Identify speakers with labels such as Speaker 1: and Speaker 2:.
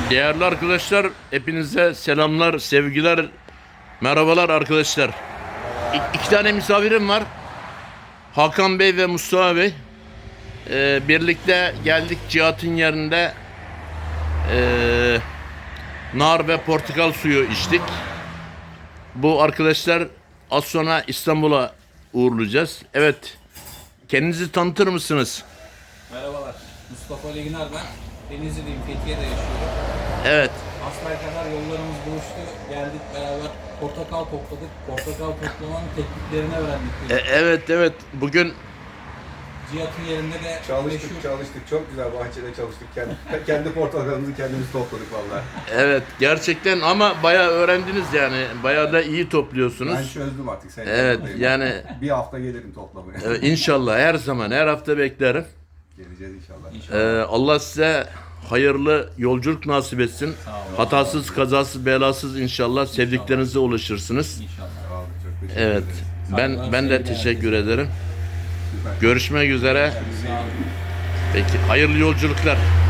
Speaker 1: Değerli arkadaşlar, hepinize selamlar, sevgiler, merhabalar arkadaşlar. İki tane misafirim var. Hakan Bey ve Mustafa Bey. Birlikte geldik Cihat'ın yerinde. Nar ve portakal suyu içtik. Bu arkadaşlar az sonra İstanbul'a uğurlayacağız. Evet, kendinizi tanıtır mısınız?
Speaker 2: Merhabalar, Mustafa Ali Güner ben. Denizli'deyim, Fethiye'de yaşıyorum.
Speaker 1: Evet.
Speaker 2: Asfaya kadar yollarımız buluştu, geldik beraber portakal topladık. Portakal toplamanın tekniklerini öğrendik.
Speaker 1: Evet. Bugün
Speaker 2: Cihat'ın yerinde de
Speaker 3: Çalıştık. Çok güzel bahçede çalıştık. Kendi portakalımızı kendimiz topladık vallahi.
Speaker 1: evet gerçekten ama bayağı öğrendiniz yani. Bayağı da iyi topluyorsunuz.
Speaker 3: Ben çözdüm artık. Sen
Speaker 1: Evet
Speaker 3: yanındayım.
Speaker 1: yani
Speaker 3: Bir hafta gelirim toplamaya.
Speaker 1: inşallah her zaman her hafta beklerim.
Speaker 3: Geleceğiz inşallah.
Speaker 1: Allah size hayırlı yolculuk nasip etsin.
Speaker 2: Sağ olun.
Speaker 1: Hatasız, kazasız, belasız inşallah sevdiklerinize ulaşırsınız.
Speaker 2: İnşallah.
Speaker 3: Sağ olun, çok teşekkür
Speaker 1: Evet.
Speaker 3: ederim.
Speaker 1: Ben de teşekkür ederim.
Speaker 3: Süper.
Speaker 1: Görüşmek üzere.
Speaker 2: Sağ olun.
Speaker 1: Peki hayırlı yolculuklar.